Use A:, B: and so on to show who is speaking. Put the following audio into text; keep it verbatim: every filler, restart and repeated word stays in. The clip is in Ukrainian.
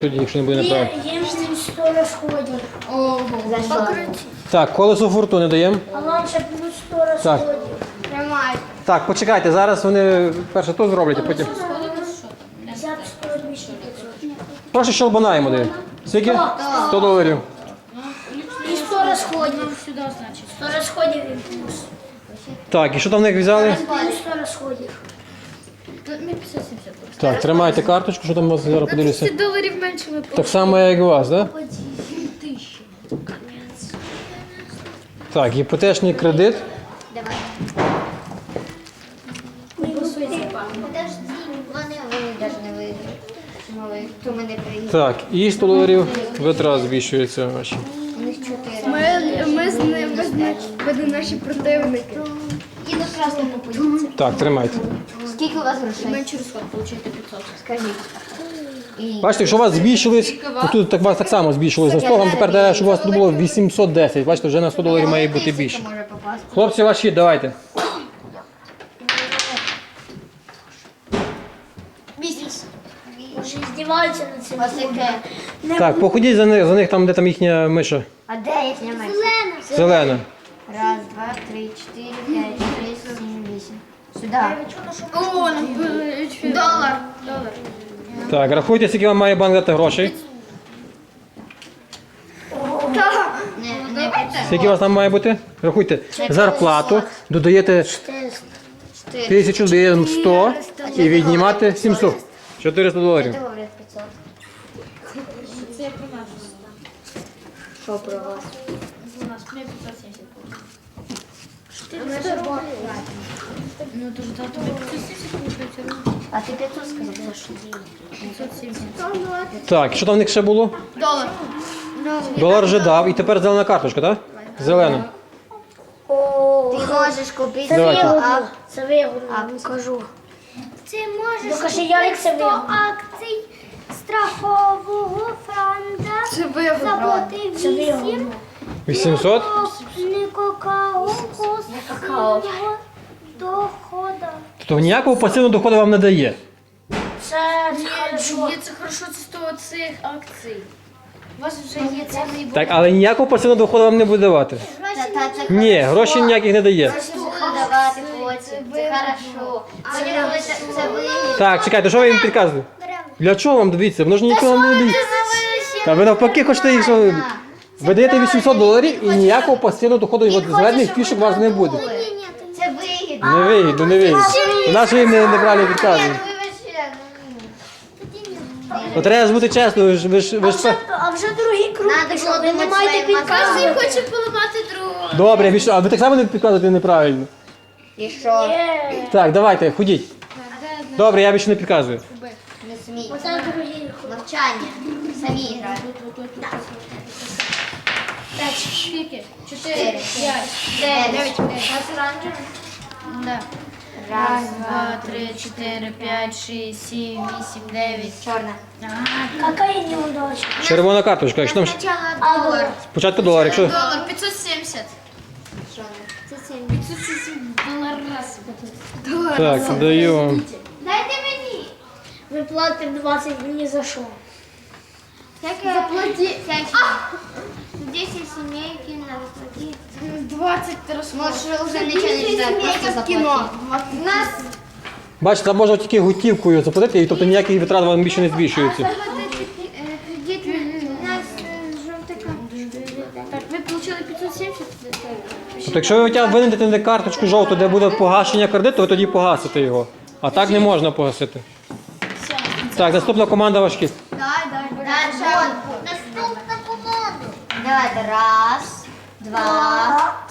A: Тоді, якщо не буде неправильно.
B: Є їм сто розходів.
C: Ого,
A: Так, колесо фортуни даємо.
B: А вам ще плюс сто розходів.
A: Так.
C: тримай.
A: Так, почекайте, зараз вони перше то зроблять, а потім.
B: п'ятдесят, сто, двісті, п'ятсот.
A: Прошу щелбана йому дає. Скільки? сто доларів.
B: І сто розходів. Сюди, значить. сто розходів і плюс.
A: Так, і що там в них взяли?
B: Плюс сто розходів.
C: Ми п'ятсот сімдесят.
A: Так, тримайте карточку, що там у вас зараз подивлюся.
C: двадцять доларів менше ви
A: Так само, як і у вас, так? Так, іпотечний кредит.
C: Давай. Подожди, вони, вони навіть не виграють. Мали, хто мене приїхав.
A: Так, і сто доларів витрат збільшується ваші.
C: У них чотири.
D: Ми, ми з ними будемо наші противники.
C: І до красного попадіться.
A: Так, тримайте.
C: Скільки у вас грошей?
D: Менший розход, получаєте п'ятсот.
C: Скажіть. І...
A: Бачите, якщо у вас збільшились, то тут так, у вас так само збільшилось на сто, вам тепер дає, щоб у вас тут було вісімсот десять. Бачите, вже на сто доларів має бути більше.
C: Може попасти.
A: Хлопці, ваші, давайте.
B: Бізнес. Може, здіваються над цим.
C: Ось яке.
A: Так, походіть за них, за них там, де там їхня миша.
C: А де їхня меч?
A: Зелена.
C: Раз, два, три, чотири, п'ять, шість, сім, вісім. Сюди.
D: О, долар. Долар.
A: Так, рахуйте, скільки вам має банк дати грошей.
C: Не, не п'ятсот.
A: Скільки у вас там має бути? Рахуйте. Зарплату, додаєте
C: Чотири.
A: тисячу, додаємо сто і віднімати сімсот. чотириста доларів.
C: Доларів п'ятсот.
D: Це про нас.
C: Що про вас?
D: У нас ми п'ятсот сімдесят. Ну, то ж да, тобі п'ятсот сімдесят получається.
C: А ти п'ятсот сказав, за що?
D: п'ятсот сімдесят.
A: Так, що там в них ще було?
D: Долар.
A: Долар вже дав і тепер зелена карточка, так? Зелена.
B: О,
C: Ти можеш купити
B: це
A: Давайте.
B: вигодно.
C: а,
B: Це вигодно, кажу.
E: Ти можеш
B: Докажи, Ярик, це
E: сто
B: вигодно.
E: акцій страхового фонду
D: Це вигодно.
E: заплати
B: Це
E: вісім
B: вигодно.
A: вісімсот?
E: не какао пасивного доходу.
A: Тобто ніякого пасивного доходу вам не дає.
B: Це хорошо.
D: Є це хорошо, це сто цих акцій. У вас вже є цілий
A: Так, але ніякого пасивного доходу вам не буде давати.
C: Та, та, це
A: Ні,
C: хорошо.
A: гроші ніяких не дає.
C: Гроші буду давати потім. Це хорошо. Потім, коли це, це вигідно.
A: Так, чекайте, що ви їм підказуєте? Для чого вам дивіться? Воно ж нічого вам не дає. Та ви навпаки хочете їх, що ви даєте вісімсот доларів і ніякого пасивного доходу від зелених фішок у вас не буде.
C: Це вигідно.
A: Не вигідно, не вигідно. Наші їм не- неправильно підказують.
C: Ну, вибачте, ну,
A: Ну треба ж бути чесно, ви ж ви ж ви ж це-
B: А вже другий круг
C: Надо
B: пішов,
C: було
B: ви не
C: думати
B: маєте
C: своїм мозгом.
B: підказувати.
D: Хочу поламати другого.
A: Добре, ви що, а ви так само не підказуєте неправильно.
C: І що?
B: Є.
A: Так, давайте, ходіть. Добре, я більше не підказую.
C: Не смій.
B: Оце другий круг.
C: Навчання. Самі грають.
D: Скільки? Чотири,
C: Чотири.
D: п'ять,
C: Дев'ять.
D: дев'ять. Да.
C: Раз,
D: Два, три, чотири, п'ять, шість, сім, вісім, дев'ять.
C: Чорна.
B: Какая неудача.
A: Червона карточка, якщо там ж-
C: Спочатку долар.
A: спочатку долар, якщо.
D: Долар п'ятсот сімдесят.
C: Чорна. Це сім.
D: п'ятсот сімдесят долар раз.
A: Так, даю вам.
C: Дайте мені.
B: Ви платите двадцять ні за що.
C: Заплати. десять сімейки на заплати.
D: двадцять розход.
C: Можеш вже нічого не читати, просто заплати.
D: У нас
A: Бачите, там можна тільки готівкою заплатити, і тобто ніякі витрати вам більше не збільшуються.
C: Кредит у нас жовтий
D: так, ви отримали п'ятсот сімдесят.
A: Тобто, якщо ви хоча б винайдете на карточку жовту, де буде погашення кредиту, ви тоді погасите його. А так не можна погасити. Так, наступна команда важкі.
C: Дай, дай, дай. Наступна команда. Давайте. Раз, два,